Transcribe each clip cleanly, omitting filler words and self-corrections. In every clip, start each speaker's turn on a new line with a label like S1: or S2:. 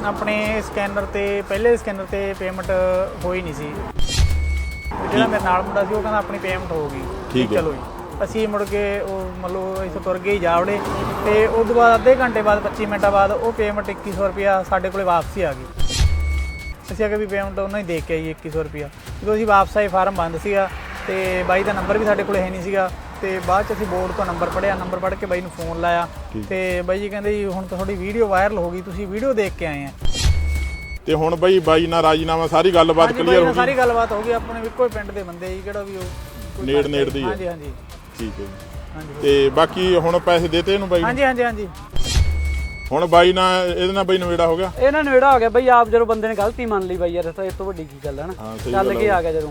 S1: ਆਪਣੇ ਸਕੈਨਰ ਤੇ ਪਹਿਲੇ ਸਕੈਨਰ ਤੇ ਪੇਮੈਂਟ ਹੋਈ ਨਹੀਂ ਸੀ। ਜਿਹੜਾ ਮੇਰੇ ਨਾਲ ਮੁੰਡਾ ਸੀ ਉਹ ਕਹਿੰਦਾ ਆਪਣੀ ਪੇਮੈਂਟ ਹੋ ਗਈ।
S2: ਠੀਕ ਹੈ।
S1: ਚਲੋ ਜੀ ਅਸੀਂ ਮੁੜ ਕੇ ਉਹ ਮਤਲਬ ਇੱਥੋਂ ਤੁਰ ਗਏ ਜਾਵੜੇ ਤੇ ਉਸ ਤੋਂ ਬਾਅਦ ਅੱਧੇ ਘੰਟੇ ਬਾਅਦ 25 ਮਿੰਟਾਂ ਬਾਅਦ ਉਹ ਪੇਮੈਂਟ 2100 ਰੁਪਇਆ ਸਾਡੇ ਕੋਲੇ ਵਾਪਸੀ ਆ ਗਈ। ਅਸੀਂ ਆ ਕੇ ਵੀ ਪੇਮੈਂਟ ਉਹਨਾਂ ਹੀ ਦੇ ਕੇ ਆਈ 2100 ਰੁਪਇਆ। ਜਦੋਂ ਅਸੀਂ ਵਾਪਸ ਆਏ ਫਾਰਮ ਬੰਦ ਸੀਗਾ ਤੇ ਬਾਈ ਦਾ ਨੰਬਰ ਵੀ ਸਾਡੇ ਕੋਲੇ ਹੈ ਨਹੀਂ ਸੀਗਾ ਤੇ ਬਾਅਦ ਚ ਅਸੀਂ ਬੋਰਡ ਤੋਂ ਨੰਬਰ ਪੜਿਆ, ਨੰਬਰ ਪੜ੍ਹ ਕੇ ਬਾਈ ਨੂੰ ਫੋਨ ਲਾਇਆ ਤੇ ਬਾਈ ਜੀ ਕਹਿੰਦੇ ਜੀ ਹੁਣ ਤਾਂ ਤੁਹਾਡੀ ਵੀਡੀਓ ਵਾਇਰਲ ਹੋ ਗਈ, ਤੁਸੀਂ ਵੀਡੀਓ ਦੇਖ ਕੇ ਆਏ ਆ।
S2: ਤੇ ਹੁਣ ਬਾਈ ਨਾਲ ਰਾਜੀਨਾਮਾ ਸਾਰੀ ਗੱਲਬਾਤ ਕਲੀਅਰ ਹੋ ਗਈ।
S1: ਸਾਰੀ ਗੱਲਬਾਤ ਹੋ ਗਈ, ਆਪਣੇ ਇੱਕੋ ਹੀ ਪਿੰਡ ਦੇ ਬੰਦੇ ਜੀ, ਕਿਹੜਾ ਵੀ ਉਹ
S2: ਨੇੜ ਦੀ ਹੈ।
S1: ਹਾਂਜੀ ਹਾਂਜੀ
S2: ਠੀਕ ਹੈ ਜੀ। ਤੇ ਬਾਕੀ ਹੁਣ ਪੈਸੇ ਦੇਤੇ ਇਹਨੂੰ ਬਾਈ?
S1: ਹਾਂਜੀ ਹਾਂਜੀ ਹਾਂਜੀ।
S2: ਹੁਣ ਬਾਈ ਨਾਲ ਇਹਦੇ ਨਾਲ ਬਾਈ ਨਵੇੜਾ ਹੋ ਗਿਆ?
S3: ਇਹਨਾਂ ਨਵੇੜਾ ਹੋ ਗਿਆ ਬਈ। ਆਪ ਜਦੋਂ ਬੰਦੇ ਨੇ ਗਲਤੀ ਮੰਨ ਲਈ ਬਾਈ ਯਾਰ ਤਾਂ ਇਹ ਤੋਂ ਵੱਡੀ ਕੀ ਗੱਲ ਹੈ ਨਾ। ਚੱਲ ਕੇ ਆ ਗਿਆ ਜਦੋਂ।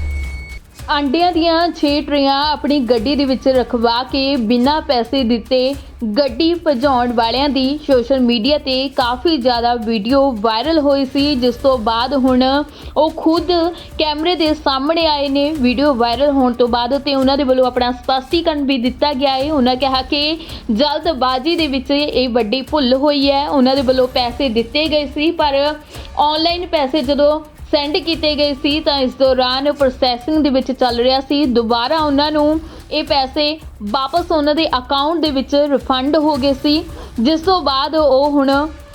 S4: ਆਂਡਿਆਂ ਦੀਆਂ 6 ਟਰੇਆਂ ਆਪਣੀ ਗੱਡੀ ਦੇ ਵਿੱਚ ਰਖਵਾ ਕੇ ਬਿਨਾਂ ਪੈਸੇ ਦਿੱਤੇ ਗੱਡੀ ਭਜਾਉਣ ਵਾਲਿਆਂ ਦੀ ਸੋਸ਼ਲ ਮੀਡੀਆ ਤੇ ਕਾਫੀ ਜ਼ਿਆਦਾ ਵੀਡੀਓ ਵਾਇਰਲ ਹੋਈ ਸੀ, ਜਿਸ ਤੋਂ ਬਾਅਦ ਹੁਣ ਉਹ ਖੁਦ ਕੈਮਰੇ ਦੇ ਸਾਹਮਣੇ ਆਏ ਨੇ ਵੀਡੀਓ ਵਾਇਰਲ ਹੋਣ ਤੋਂ ਬਾਅਦ ਤੇ ਉਹਨਾਂ ਦੇ ਵੱਲੋਂ ਆਪਣਾ ਸਪਸ਼ਟੀਕਰਨ ਵੀ ਦਿੱਤਾ ਗਿਆ ਹੈ। ਉਹਨਾਂ ਕਿਹਾ ਕਿ ਜਲਦਬਾਜ਼ੀ ਦੇ ਵਿੱਚ ਇਹ ਵੱਡੀ ਭੁੱਲ ਹੋਈ ਹੈ। ਉਹਨਾਂ ਦੇ ਵੱਲੋਂ ਪੈਸੇ ਦਿੱਤੇ ਗਏ ਸੀ ਪਰ ਆਨਲਾਈਨ ਪੈਸੇ ਜਦੋਂ ਸੈਂਡ ਕੀਤੇ ਗਏ ਸੀ ਤਾਂ ਇਸ ਦੌਰਾਨ ਪ੍ਰੋਸੈਸਿੰਗ ਦੇ ਵਿੱਚ ਚੱਲ ਰਿਹਾ ਸੀ। ਦੁਬਾਰਾ ਉਹਨਾਂ ਨੂੰ ਇਹ ਪੈਸੇ ਵਾਪਸ ਉਹਨਾਂ ਦੇ ਅਕਾਊਂਟ ਦੇ ਵਿੱਚ ਰਿਫੰਡ ਹੋ ਗਏ ਸੀ, ਜਿਸ ਤੋਂ ਬਾਅਦ ਉਹ ਹੁਣ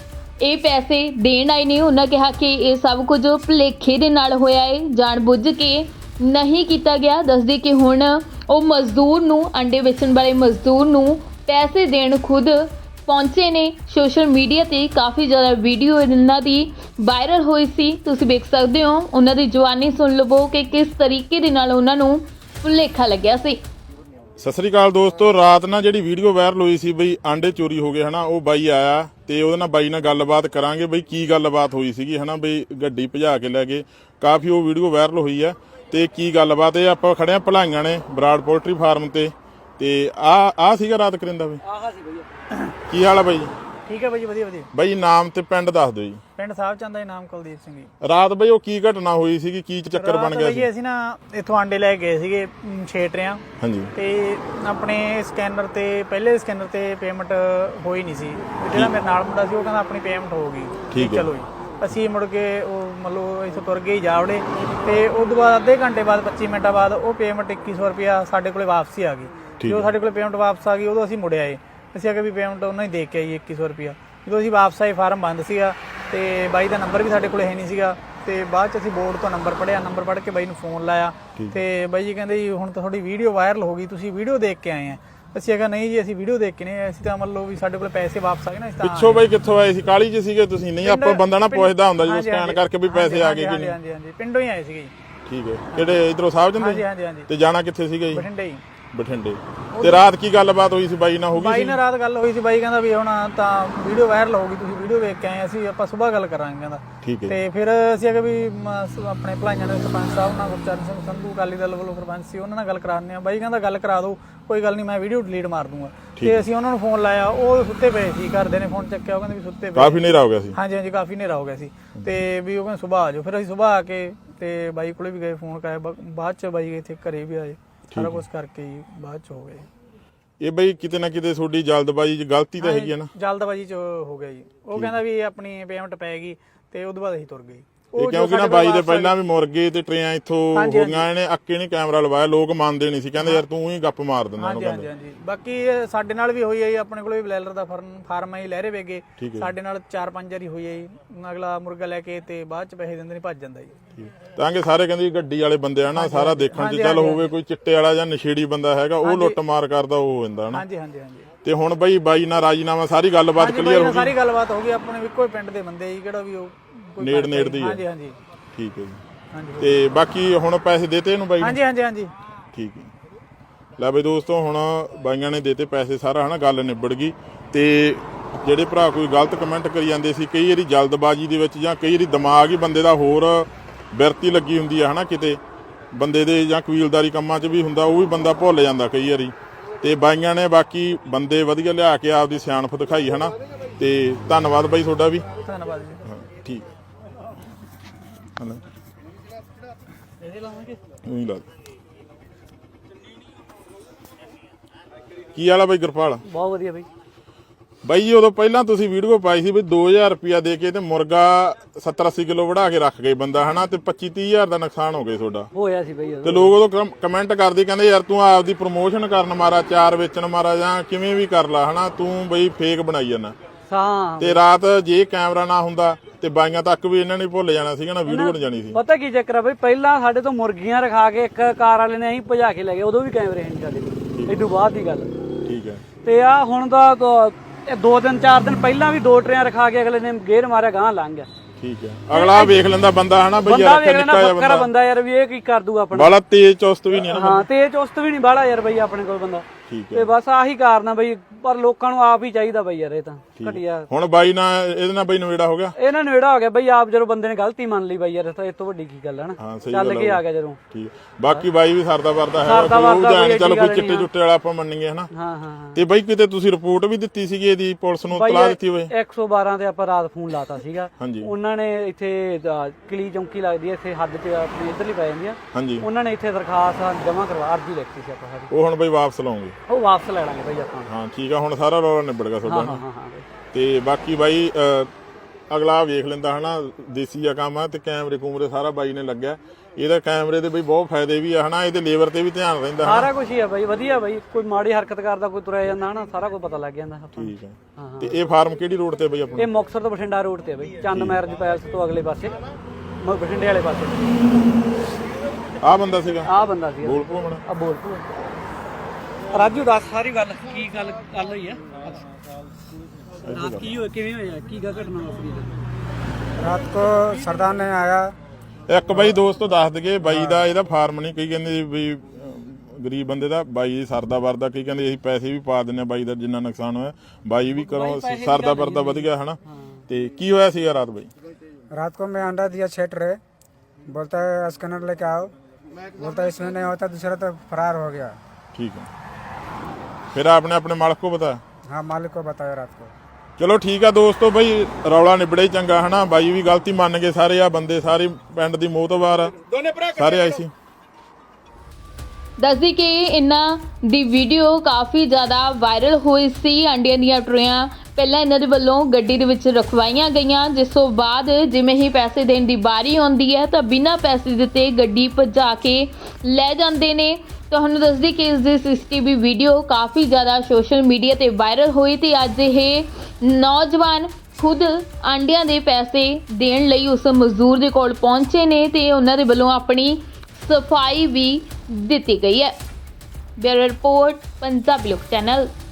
S4: ਇਹ ਪੈਸੇ ਦੇਣ ਆਏ ਨੇ। ਉਹਨਾਂ ਕਿਹਾ ਕਿ ਇਹ ਸਭ ਕੁਝ ਭੁਲੇਖੇ ਦੇ ਨਾਲ ਹੋਇਆ ਹੈ, ਜਾਣਬੁੱਝ ਕੇ ਨਹੀਂ ਕੀਤਾ ਗਿਆ। ਦੱਸਦੇ ਕਿ ਹੁਣ ਉਹ ਮਜ਼ਦੂਰ ਨੂੰ, ਅੰਡੇ ਵੇਚਣ ਵਾਲੇ ਮਜ਼ਦੂਰ ਨੂੰ ਪੈਸੇ ਦੇਣ ਖੁਦ ਪਹੁੰਚੇ ਨੇ। ਸੋਸ਼ਲ ਮੀਡੀਆ ਤੇ ਕਾਫੀ ਜ਼ਿਆਦਾ ਵੀਡੀਓ ਇਹਨਾਂ ਦੀ ਵਾਇਰਲ ਹੋਈ ਸੀ, ਤੁਸੀਂ ਵੇਖ ਸਕਦੇ ਹੋ। ਉਹਨਾਂ ਦੀ ਜਵਾਨੀ ਸੁਣ ਲਵੋ ਕਿ ਕਿਸ ਤਰੀਕੇ ਦੇ ਨਾਲ ਉਹਨਾਂ ਨੂੰ ਭੁਲੇਖਾ ਲੱਗਿਆ ਸੀ।
S2: ਸਤਿ ਸ੍ਰੀ ਅਕਾਲ ਦੋਸਤੋ। ਰਾਤ ਨਾਲ ਜਿਹੜੀ ਵੀਡੀਓ ਵਾਇਰਲ ਹੋਈ ਸੀ ਬਈ ਆਂਡੇ ਚੋਰੀ ਹੋ ਗਏ ਹਨਾ, ਉਹ ਬਾਈ ਆਇਆ ਤੇ ਉਹਦੇ ਨਾਲ ਬਾਈ ਨਾਲ ਗੱਲਬਾਤ ਕਰਾਂਗੇ ਬਈ ਕੀ ਗੱਲਬਾਤ ਹੋਈ ਸੀਗੀ ਹਨਾ। ਬਈ ਗੱਡੀ ਭਜਾ ਕੇ ਲੈ ਗਏ, ਕਾਫੀ ਉਹ ਵੀਡੀਓ ਵਾਇਰਲ ਹੋਈ ਆ ਤੇ ਕੀ ਗੱਲਬਾਤ ਇਹ ਆਪਾਂ ਖੜੇ ਆ ਭਲਾਈਆਂ ਨੇ ਬਰਾੜ ਪੋਲਟਰੀ ਫਾਰਮ ਤੇ ਆ ਸੀਗਾ ਰਾਤ ਕਰਿੰਦਾ ਬਈ।
S3: ਆਹਾ ਸੀ ਬਈ।
S2: ਕੀ ਹਾਲ ਆ ਬਾਈ?
S1: ਠੀਕ ਹੈ ਬਾਈ ਜੀ, ਵਧੀਆ ਵਧੀਆ।
S2: ਬਾਈ ਨਾਮ ਤੇ ਪਿੰਡ ਦੱਸ ਦਿਓ ਜੀ।
S1: ਪਿੰਡ ਸਾਹਿਬ ਚੰਦ ਦਾ ਨਾਮ ਕੁਲਦੀਪ ਸਿੰਘ ਜੀ।
S2: ਰਾਤ ਬਈ ਉਹ ਕੀ ਘਟਨਾ ਹੋਈ ਸੀਗੀ, ਕੀ ਚੱਕਰ ਬਣ ਗਿਆ ਸੀ?
S1: ਅਸੀਂ ਨਾ ਇੱਥੋਂ ਆਂਡੇ ਲੈ ਗਏ ਸੀਗੇ 6 ਟਰੇਆਂ।
S2: ਹਾਂਜੀ।
S1: ਤੇ ਆਪਣੇ ਸਕੈਨਰ ਤੇ ਪਹਿਲੇ ਸਕੈਨਰ ਤੇ ਪੇਮੈਂਟ ਹੋਈ ਨਹੀਂ ਸੀ। ਜਿਹੜਾ ਮੇਰੇ ਨਾਲ ਮੁੰਡਾ ਸੀ ਉਹ ਕਹਿੰਦਾ ਆਪਣੀ ਪੇਮੈਂਟ ਹੋ ਗਈ।
S2: ਠੀਕ ਹੈ।
S1: ਚਲੋ ਜੀ ਅਸੀਂ ਮੁੜ ਕੇ ਉਹ ਮਤਲਬ ਇੱਥੋਂ ਤੁਰ ਗਏ ਜਾਵੜੇ ਤੇ ਉਸ ਤੋਂ ਬਾਅਦ ਅੱਧੇ ਘੰਟੇ ਬਾਅਦ 25 ਮਿੰਟਾਂ ਬਾਅਦ ਉਹ ਪੇਮੈਂਟ 2100 ਰੁਪਇਆ ਸਾਡੇ ਕੋਲੇ ਵਾਪਸੀ ਆ ਗਈ। ਜਦੋਂ ਸਾਡੇ ਕੋਲੇ ਪੇਮੈਂਟ ਵਾਪਸ ਆ ਗਈ ਉਦੋਂ ਅਸੀਂ ਮੁੜ ਆਏ। ਅਸੀਂ ਆ ਕੇ ਵੀ ਪੇਮੈਂਟ ਉਹਨਾਂ ਹੀ ਦੇ ਕੇ ਆਈ 2100 ਰੁਪਇਆ। ਜਦੋਂ ਅਸੀਂ ਵਾਪਸ ਆਏ ਫਾਰਮ ਬੰਦ ਸੀਗਾ ਤੇ ਬਾਈ ਦਾ ਨੰਬਰ ਵੀ ਸਾਡੇ ਕੋਲੇ ਹੈ ਨਹੀਂ ਸੀਗਾ ਤੇ ਬਾਅਦ ਚ ਅਸੀਂ ਬੋਰਡ ਤੋਂ ਨੰਬਰ ਪੜਿਆ, ਨੰਬਰ ਪੜ੍ਹ ਕੇ ਬਾਈ ਨੂੰ ਫੋਨ ਲਾਇਆ ਤੇ ਬਾਈ ਜੀ ਕਹਿੰਦੇ ਜੀ ਹੁਣ ਤਾਂ ਤੁਹਾਡੀ ਵੀਡੀਓ ਵਾਇਰਲ ਹੋ ਗਈ, ਤੁਸੀਂ ਵੀਡੀਓ ਦੇਖ ਕੇ ਆਏ ਆ। ਅਸੀਂ ਕਿਹਾ ਨਹੀਂ ਜੀ ਅਸੀਂ ਵੀਡੀਓ ਦੇਖ ਕੇ ਨਹੀਂ, ਅਸੀਂ ਤਾਂ ਮੰਨ ਲਓ ਵੀ ਸਾਡੇ ਕੋਲ ਪੈਸੇ ਵਾਪਸ ਆ ਗਏ ਨਾ। ਇਸ
S2: ਪਿੱਛੋਂ ਬਾਈ ਕਿੱਥੋਂ ਆਏ ਸੀ? ਕਾਲੀ ਚ ਸੀਗੇ ਤੁਸੀਂ? ਨਹੀਂ ਆਪਾਂ ਬੰਦਾ ਨਾ ਪੁੱਛਦਾ ਹੁੰਦਾ ਜਦੋਂ ਸਕੈਨ ਕਰਕੇ ਵੀ ਪੈਸੇ ਆ ਗਏ ਕਿ ਨਹੀਂ।
S1: ਹਾਂਜੀ ਹਾਂਜੀ ਪਿੰਡੋਂ ਹੀ ਆਏ ਸੀਗੇ ਜੀ।
S2: ਠੀਕ ਹੈ। ਕਿਹੜੇ ਇਧਰੋਂ ਸਾਹਿਬ ਜੰਦੇ?
S1: ਹਾਂਜੀ ਹਾਂਜੀ ਹਾਂਜੀ।
S2: ਤੇ ਜਾਣਾ ਕਿੱਥੇ ਸੀਗਾ ਜੀ?
S1: ਬਠਿੰਡੇ ਜੀ।
S2: ਬਠਿੰਡੇ। ਤੇ ਰਾਤ ਕੀ ਗੱਲਬਾਤ ਹੋਈ ਸੀ ਬਾਈ ਨਾਲ? ਹੋ ਗਈ
S1: ਬਾਈ ਨਾਲ ਰਾਤ ਗੱਲ ਹੋਈ ਸੀ। ਬਾਈ ਕਹਿੰਦਾ ਵੀ ਹੁਣ ਤਾਂ ਵੀਡੀਓ ਵਾਇਰਲ ਹੋ ਗਈ, ਤੁਸੀਂ ਵੀਡੀਓ ਵੇਖ ਕੇ ਆਏ, ਅਸੀਂ ਆਪਾਂ ਸਵੇਰ ਗੱਲ ਕਰਾਂਗੇ ਕਹਿੰਦਾ।
S2: ਠੀਕ ਹੈ।
S1: ਤੇ ਫਿਰ ਅਸੀਂ ਅਗੇ ਵੀ ਆਪਣੇ ਭਲਾਈਆਂ ਦੇ ਸਰਪੰਚ ਸਾਹਿਬ ਨਾਲ, ਗੁਰਚਰਨ ਸਿੰਘ ਸੰਧੂ ਅਕਾਲੀ ਦਲ ਵੱਲੋਂ ਸਰਪੰਚ ਸੀ, ਉਹਨਾਂ ਨਾਲ ਗੱਲ ਕਰਾਉਂਦੇ ਆ। ਬਾਈ ਕਹਿੰਦਾ ਗੱਲ ਕਰਾ ਦਿਓ, ਕੋਈ ਗੱਲ ਨਹੀਂ, ਮੈਂ ਵੀਡੀਓ ਡਿਲੀਟ ਮਾਰ ਦੂੰਗਾ। ਤੇ ਅਸੀਂ ਉਹਨਾਂ ਨੂੰ ਫੋਨ ਲਾਇਆ, ਉਹ ਸੁੱਤੇ ਪਏ ਸੀ, ਘਰਦੇ ਨੇ ਫੋਨ ਚੱਕਿਆ, ਉਹ ਕਹਿੰਦੇ ਵੀ ਸੁੱਤੇ ਪਏ।
S2: ਕਾਫੀ ਹਨੇਰਾ ਹੋ ਗਿਆ ਸੀ?
S1: ਹਾਂਜੀ ਹਾਂਜੀ ਕਾਫੀ ਹਨੇਰਾ ਹੋ ਗਿਆ ਸੀ ਤੇ ਵੀ ਉਹ ਕਹਿੰਦੇ ਸੁਬਾਹ ਆ ਜਾਓ। ਫਿਰ ਅਸੀਂ ਸੁਬਾਹ ਆ ਕੇ ਤੇ ਬਾਈ ਕੋਲੇ ਵੀ ਗਏ, ਫੋਨ ਕਰਾਇਆ। ਬਾਅਦ ਚ ਬਾਈ ਇੱਥੇ ਘਰੇ ਵੀ ਆਏ, ਸਾਰਾ ਕੁਝ ਕਰਕੇ ਹੀ ਬਾਅਦ ਚ ਹੋ ਗਏ।
S2: ਇਹ ਬਈ ਕਿਤੇ ਨਾ ਕਿਤੇ ਤੁਹਾਡੀ ਜਲਦਬਾਜ਼ੀ ਚ ਗਲਤੀ ਤਾਂ ਹੈਗੀ ਹੈ ਨਾ?
S1: ਜਲਦਬਾਜ਼ੀ ਚ ਹੋ ਗਿਆ ਜੀ। ਉਹ ਕਹਿੰਦਾ ਵੀ ਆਪਣੀ ਪੇਮੈਂਟ ਪੈ ਗਈ ਤੇ ਉਦੋਂ ਬਾਅਦ ਅਸੀਂ ਤੁਰ ਗਏ।
S2: ਇਹ ਕਿਉਂਕਿ ਨਾ ਬਾਈ ਦੇ ਪਹਿਲਾਂ ਵੀ ਮੁਰਗੇ ਤੇ ਟਰੇਆਂ ਇੱਥੋਂ ਹੋ ਗਈਆਂ, ਇਹਨੇ ਅੱਕੇ ਨਹੀਂ ਕੈਮਰਾ ਲਵਾਇਆ, ਲੋਕ ਮੰਨਦੇ ਨਹੀਂ ਸੀ, ਕਹਿੰਦੇ ਯਾਰ ਤੂੰ ਹੀ ਗੱਪ ਮਾਰ ਦਿੰਦਾ ਉਹਨੂੰ।
S1: ਹਾਂਜੀ ਹਾਂਜੀ। ਬਾਕੀ ਸਾਡੇ ਨਾਲ ਵੀ ਹੋਈ ਹੈ ਜੀ, ਆਪਣੇ ਕੋਲ ਵੀ ਬਲੈਲਰ ਦਾ ਫਾਰਮ ਹੈ ਜੀ, ਲਹਿਰੇ ਵੇਗੇ। ਸਾਡੇ ਨਾਲ 4-5 ਵਾਰੀ ਹੋਈ ਹੈ ਜੀ। ਅਗਲਾ ਮੁਰਗਾ ਲੈ ਕੇ ਤੇ ਬਾਅਦ ਚ ਪੈਸੇ ਦਿੰਦੇ ਨਹੀਂ, ਭੱਜ ਜਾਂਦਾ ਜੀ।
S2: ਤਾਂ ਕਿ ਸਾਰੇ ਕਹਿੰਦੇ ਗੱਡੀ ਵਾਲੇ ਬੰਦੇ ਆ ਨਾ, ਸਾਰਾ ਦੇਖਣ ਚ ਚੱਲ ਹੋਵੇ ਕੋਈ ਚਿੱਟੇ ਵਾਲਾ ਜਾਂ ਨਸ਼ੇੜੀ ਬੰਦਾ ਹੈਗਾ, ਉਹ ਲੁੱਟ ਮਾਰ ਕਰਦਾ ਉਹ ਹੋ ਜਾਂਦਾ ਨਾ।
S1: ਹਾਂਜੀ ਹਾਂਜੀ ਹਾਂਜੀ।
S2: ਤੇ ਹੁਣ ਬਾਈ ਨਾਲ ਰਾਜੀਨਾਮਾ ਸਾਰੀ ਗੱਲਬਾਤ ਕਲੀਅਰ ਹੋ ਗਈ?
S1: ਸਾਰੀ ਗੱਲਬਾਤ ਹੋ ਗਈ, ਆਪਣੇ ਇੱਕੋ ਹੀ ਪਿੰਡ ਦੇ ਬੰਦੇ ਜੀ, ਕਿਹੜਾ ਵੀ ਉਹ
S2: ਨੇੜ ਦੀ ਹੈ।
S1: ਹਾਂਜੀ ਹਾਂਜੀ।
S2: ਠੀਕ ਹੈ ਜੀ। ਤੇ ਬਾਕੀ ਹੁਣ ਪੈਸੇ ਦੇਤੇ ਇਹਨੂੰ ਬਾਈ?
S1: ਹਾਂਜੀ ਹਾਂਜੀ ਹਾਂਜੀ।
S2: ਠੀਕ ਹੈ। ਲੈ ਬਈ ਦੋਸਤੋ ਹੁਣ ਬਾਈਆਂ ਨੇ ਦੇਤੇ ਪੈਸੇ, ਸਾਰਾ ਹਨਾ ਗੱਲ ਨਿਬੜ ਗਈ। ਤੇ ਜਿਹੜੇ ਭਰਾ ਕੋਈ ਗਲਤ ਕਮੈਂਟ ਕਰੀ ਜਾਂਦੇ ਸੀ, ਕਈ ਵਾਰੀ ਜਲਦਬਾਜ਼ੀ ਦੇ ਵਿੱਚ ਜਾਂ ਕਈ ਵਾਰੀ ਦਿਮਾਗ ਹੀ ਬੰਦੇ ਦਾ ਹੋਰ ਬਿਰਤੀ ਲੱਗੀ ਹੁੰਦੀ ਆ ਹਨਾ, ਕਿਤੇ ਬੰਦੇ ਦੇ ਜਾਂ ਕਬੀਲਦਾਰੀ ਕੰਮਾਂ 'ਚ ਵੀ ਹੁੰਦਾ, ਉਹ ਵੀ ਬੰਦਾ ਭੁੱਲ ਜਾਂਦਾ ਕਈ ਵਾਰੀ। ਤੇ ਬਾਈਆਂ ਨੇ ਬਾਕੀ ਬੰਦੇ ਵਧੀਆ ਲਿਆ ਕੇ ਆਪਦੀ ਸਿਆਣਪ ਦਿਖਾਈ ਹਨਾ। ਤੇ ਧੰਨਵਾਦ ਬਾਈ ਤੁਹਾਡਾ ਵੀ।
S1: ਧੰਨਵਾਦ ਜੀ।
S2: ਠੀਕ। ਕੀ ਹਾਲ ਆ ਬਾਈ ਗੁਰਪਾਲ?
S3: ਬਹੁਤ ਵਧੀਆ ਬਈ।
S2: ਬਾਈ ਜੀ ਉਦੋਂ ਪਹਿਲਾਂ ਤੁਸੀਂ ਵੀਡੀਓ ਪਾਈ ਸੀ ਵੀ 2000 ਰੁਪਿਆ ਦੇ ਕੇ ਤੇ ਮੁਰਗਾ 70-80 ਕਿਲੋ ਵੜਾ ਕੇ ਰੱਖ ਗਏ ਬੰਦਾ ਹਨਾ ਤੇ 25-30 ਹਜ਼ਾਰ ਦਾ ਨੁਕਸਾਨ ਹੋ ਗਿਆ ਤੁਹਾਡਾ।
S3: ਹੋਇਆ ਸੀ ਬਈ
S2: ਤੇ ਲੋਕ ਉਦੋਂ ਕਮੈਂਟ ਕਰਦੇ ਕਹਿੰਦੇ ਯਾਰ ਤੂੰ ਆਪਦੀ ਪ੍ਰਮੋਸ਼ਨ ਕਰਨ ਮਾਰਾ, ਚਾਰ ਵੇਚਣ ਮਾਰਾ ਜਾਂ ਕਿਵੇਂ ਵੀ ਕਰ ਲਾ ਹਨਾ, ਤੂੰ ਬਈ ਫੇਕ ਬਣਾਈ ਜਾਂਦਾ।
S3: ਹਾਂ
S2: ਤੇ ਰਾਤ ਜੇ ਕੈਮਰਾ ਨਾ ਹੁੰਦਾ ਤੇ ਬਾਈਆਂ ਤੱਕ ਵੀ ਇਹਨਾਂ ਨੇ ਭੁੱਲ ਜਾਣਾ ਸੀਗਾ ਨਾ, ਵੀਡੀਓ ਬਣ ਜਾਣੀ ਸੀ।
S3: ਪਤਾ ਕੀ ਚੱਕਰ ਆ ਬਈ, ਪਹਿਲਾਂ ਸਾਡੇ ਤੋਂ ਮੁਰਗੀਆਂ ਰਖਾ ਕੇ ਇੱਕ ਕਾਰ ਵਾਲੇ ਨੇ ਅਸੀਂ ਭਜਾ ਕੇ ਲੈ ਗਏ, ਉਦੋਂ ਵੀ ਕੈਮਰੇ ਨਹੀਂ ਸਾਡੇ ਕੋਲ, ਇਦੋਂ ਬਾਅਦ ਦੀ ਗੱਲ।
S2: ਠੀਕ ਹੈ।
S3: ਤੇ ਆ ਹੁਣ ਦਾ 2 ਦਿਨ 4 ਦਿਨ ਪਹਿਲਾਂ ਵੀ 2 ਟਰੇਆਂ ਰਖਾ ਕੇ ਅਗਲੇ ਨੇ ਗੇਰ ਮਾਰਿਆ, ਗਾਂ ਲੰਘ ਗਿਆ।
S2: ਠੀਕ ਹੈ। ਅਗਲਾ ਵੇਖ ਲੈਂਦਾ ਬੰਦਾ ਹਨਾ ਬਈ
S3: ਬੰਦਾ
S2: ਯਾਰ
S3: ਵੇਖ ਲੈਣਾ,
S2: ਨਿੱਕਾ
S3: ਬੱਕਰਾ ਬੰਦਾ ਯਾਰ ਵੀ ਇਹ ਕੀ ਕਰ ਦੂਗਾ ਆਪਣਾ,
S2: ਬਾਲਾ ਤੇਜ਼ ਚੁਸਤ ਵੀ ਨਹੀਂ ਹੈ ਨਾ।
S3: ਹਾਂ ਤੇਜ਼ ਚੁਸਤ ਵੀ ਨਹੀਂ ਬਾਲਾ ਯਾਰ ਬਈ ਆਪਣੇ ਕੋਲ ਬੰਦਾ।
S2: ਠੀਕ ਹੈ।
S3: ਤੇ ਬਸ ਆਹੀ ਕਾਰਨ ਆ ਬਈ, ਪਰ ਲੋਕਾਂ ਨੂੰ ਆਪ ਹੀ ਚਾਹੀਦਾ ਬਈ ਯਾਰ, ਇਹ ਤਾਂ ਘਟਿਆ।
S2: ਹੁਣ ਬਾਈ ਨਾਲ ਇਹਦੇ ਨਾਲ ਬਈ ਨਵੇੜਾ ਹੋ ਗਿਆ।
S3: ਇਹਨਾਂ ਨੇੜਾ ਹੋ ਗਿਆ ਬਈ, ਆਪ ਜਦੋਂ ਬੰਦੇ ਨੇ ਗਲਤੀ ਮੰਨ ਲਈ ਬਈ ਯਾਰ, ਤਾਂ ਇਹ ਤੋਂ ਵੱਡੀ ਕੀ ਗੱਲ ਹੈ ਨਾ।
S2: ਹਾਂ ਸਹੀ
S3: ਚੱਲ
S2: ਗੱਲ
S3: ਕੇ
S2: ਆ।
S3: ਆ ਗਿਆ ਜਦੋਂ।
S2: ਠੀਕ ਹੈ। ਬਾਕੀ ਬਾਈ ਵੀ ਸਰਦਾ ਵਰਦਾ ਹੈ,
S3: ਸਰਦਾ ਵਰਦਾ
S2: ਉਹ
S3: ਕੋਈ
S2: ਚਲੋ
S3: ਗੱਲ
S2: ਕੋਈ ਚਿੱਟੇ ਚੁੱਟੇ ਵਾਲਾ ਆਪਾਂ ਮੰਨੀਏ ਹਨਾ।
S3: ਹਾਂ ਹਾਂ
S2: ਤੇ ਬਾਈ ਕਿਤੇ ਤੁਸੀਂ ਰਿਪੋਰਟ ਵੀ ਦਿੱਤੀ ਸੀਗੀ ਇਹਦੀ, ਪੁਲਿਸ ਨੂੰ
S3: ਬਾਈ
S2: ਤਲਾ ਦਿੱਤੀ ਹੋਵੇ?
S3: 112 ਤੇ ਆਪਾਂ ਰਾਤ ਫੋਨ ਲਾਤਾ ਸੀਗਾ।
S2: ਹਾਂਜੀ।
S3: ਉਹਨਾਂ ਨੇ ਇੱਥੇ ਕਿਲੀ ਚੌਂਕੀ ਲੱਗਦੀ ਹੈ ਇੱਥੇ ਹੱਦ ਤੇ ਆਪਣੀ ਇੱਧਰਲੀ ਪੈ ਜਾਂਦੀ ਆ,
S2: ਹਾਂਜੀ।
S3: ਉਹਨਾਂ ਨੇ ਇੱਥੇ ਦਰਖਾਸਤ ਜਮ੍ਹਾਂ ਕਰਵਾ, ਅਰਜੀ ਲਿਖਤੀ ਸੀ ਆਪਾਂ ਸਾਡੀ,
S2: ਉਹ ਹੁਣ ਬਈ ਵਾਪਸ ਲਾਉਂਗੇ?
S3: ਉਹ ਵਾਪਸ ਲੈ ਲਾਂਗੇ ਬਈ ਆਪਾਂ।
S2: ਹਾਂ ਠੀਕ ਆ, ਹੁਣ ਸਾਰਾ ਰੌਲਾ ਨਿਬੜ ਗਿਆ ਤੁਹਾਡਾ।
S3: ਹਾਂ ਹਾਂ ਹਾਂ ਬਈ।
S2: ਤੇ ਬਾਕੀ ਬਾਈ ਅਗਲਾ ਵੇਖ ਲੈਂਦਾ ਹਨਾ, ਦੇਸੀ ਆ ਕੰਮ ਆ। ਤੇ ਕੈਮਰੇ ਕੂਮਰੇ ਸਾਰਾ ਬਾਈ ਨੇ ਲੱਗਿਆ, ਇਹਦਾ ਕੈਮਰੇ ਦੇ ਬਈ ਬਹੁਤ ਫਾਇਦੇ ਵੀ ਆ ਹਨਾ, ਇਹਦੇ ਲੇਬਰ ਤੇ ਵੀ ਧਿਆਨ ਰਹਿੰਦਾ ਹਨਾ।
S3: ਸਾਰਾ ਕੁਝ ਹੀ ਆ ਬਾਈ, ਵਧੀਆ ਬਾਈ, ਕੋਈ ਮਾੜੀ ਹਰਕਤ ਕਰਦਾ ਕੋਈ ਤੁਰਿਆ ਜਾਂਦਾ ਹਨਾ, ਸਾਰਾ ਕੁਝ ਪਤਾ ਲੱਗ ਜਾਂਦਾ ਆਪਾਂ ਨੂੰ।
S2: ਠੀਕ ਹੈ। ਤੇ ਇਹ ਫਾਰਮ ਕਿਹੜੀ ਰੋਡ ਤੇ ਬਈ ਆਪਣਾ?
S3: ਇਹ ਮੁਕਤਸਰ ਤੋਂ ਬਠਿੰਡਾ ਰੋਡ ਤੇ ਆ ਬਈ, ਚੰਦ ਮੈਰਿਜ ਪੈਲਸ ਤੋਂ ਅਗਲੇ ਪਾਸੇ, ਬਠਿੰਡੇ ਵਾਲੇ ਪਾਸੇ।
S2: ਆਹ ਬੰਦਾ ਸੀਗਾ,
S3: ਆਹ ਬੰਦਾ ਸੀ
S2: ਬੋਲ ਪੋ ਮਣਾ।
S3: ਆ ਬੋਲ ਤੂੰ ਰਾਜੂ, ਦੱਸ ਸਾਰੀ ਗੱਲ ਕੀ ਗੱਲ ਹੋਈ ਆ ਰਾਤ, ਕੀ ਹੋਇਆ, ਕਿਵੇਂ ਹੋਇਆ, ਕੀ ਘਟਨਾ ਵਾਪਰੀ?
S5: रात को सरदार ने आया।
S2: ਇੱਕ ਬਾਈ ਦੋਸਤੋ ਦੱਸ ਦਈਏ, ਬਾਈ ਦਾ ਇਹਦਾ ਫਾਰਮ ਨਹੀਂ, ਕਈ ਕਹਿੰਦੇ ਵੀ ਗਰੀਬ ਬੰਦੇ ਦਾ, ਬਾਈ ਸਰਦਾ ਵਰਦਾ, ਕਈ ਕਹਿੰਦੇ ਅਸੀਂ ਪੈਸੇ ਵੀ ਪਾ ਦਿੰਨੇ ਬਾਈ ਦਾ ਜਿੰਨਾ ਨੁਕਸਾਨ ਹੋਇਆ, ਬਾਈ ਵੀ ਕਰੋ ਸਰਦਾ ਵਰਦਾ ਵਧ ਗਿਆ ਹਨਾ। ਤੇ ਕੀ ਹੋਇਆ ਸੀਗਾ ਰਾਤ ਬਾਈ?
S5: रात को मैं अंडा दिया 6 ट्रे, बोलता है स्कैनर लेके आओ, बोलता है इसमें नहीं होता, दूसरा तो फरार हो गया।
S2: ठीक है। फिर आपने अपने मालिक को बताया?
S5: हाँ मालिक को बताया रात को।
S2: ਚਲੋ ਠੀਕ ਆ ਦੋਸਤੋ, ਬਈ ਰੌਲਾ ਨਿਬੜੇ ਹੀ ਚੰਗਾ ਹਨਾ। ਬਾਈ ਵੀ ਗਲਤੀ ਮੰਨ ਗਏ ਸਾਰੇ, ਆ ਬੰਦੇ ਸਾਰੇ ਪਿੰਡ ਦੀ ਮੋਤਬਾਰ ਸਾਰੇ ਆਏ ਸੀ।
S4: ਦੱਸਦੀ ਕਿ ਇਹਨਾਂ ਦੀ ਵੀਡੀਓ ਕਾਫੀ ਜ਼ਿਆਦਾ ਵਾਇਰਲ ਹੋਈ ਸੀ। ਅੰਡਿਆਂ ਦੀਆਂ ਟਰੇਆਂ ਪਹਿਲਾਂ ਇਹਨਾਂ ਦੇ ਵੱਲੋਂ ਗੱਡੀ ਦੇ ਵਿੱਚ ਰਖਵਾਈਆਂ ਗਈਆਂ, ਜਿਸ ਤੋਂ ਬਾਅਦ ਜਿਵੇਂ ਹੀ ਪੈਸੇ ਦੇਣ ਦੀ ਵਾਰੀ ਆਉਂਦੀ ਹੈ ਤਾਂ ਬਿਨਾਂ ਪੈਸੇ ਦਿੱਤੇ ਗੱਡੀ ਭਜਾ ਕੇ ਲੈ ਜਾਂਦੇ ਨੇ। ਤੁਹਾਨੂੰ ਦੱਸਦੀ ਕਿ ਇਸ ਦੀ ਸੀਸੀਟੀਵੀ ਵੀਡੀਓ ਕਾਫੀ ਜ਼ਿਆਦਾ ਸੋਸ਼ਲ ਮੀਡੀਆ ਤੇ ਵਾਇਰਲ ਹੋਈ ਤੇ ਅੱਜ ਇਹ ਨੌਜਵਾਨ ਖੁਦ ਆਂਡਿਆਂ ਦੇ ਪੈਸੇ ਦੇਣ ਲਈ ਉਸ ਮਜ਼ਦੂਰ ਦੇ ਕੋਲ ਪਹੁੰਚੇ ਨੇ ਤੇ ਉਹਨਾਂ ਦੇ ਵੱਲੋਂ ਆਪਣੀ ਸਫਾਈ ਵੀ ਦਿੱਤੀ ਗਈ ਹੈ। ਬਿਊਰੋ ਰਿਪੋਰਟ, ਪੰਜਾਬੀ ਲੋਕ ਚੈਨਲ।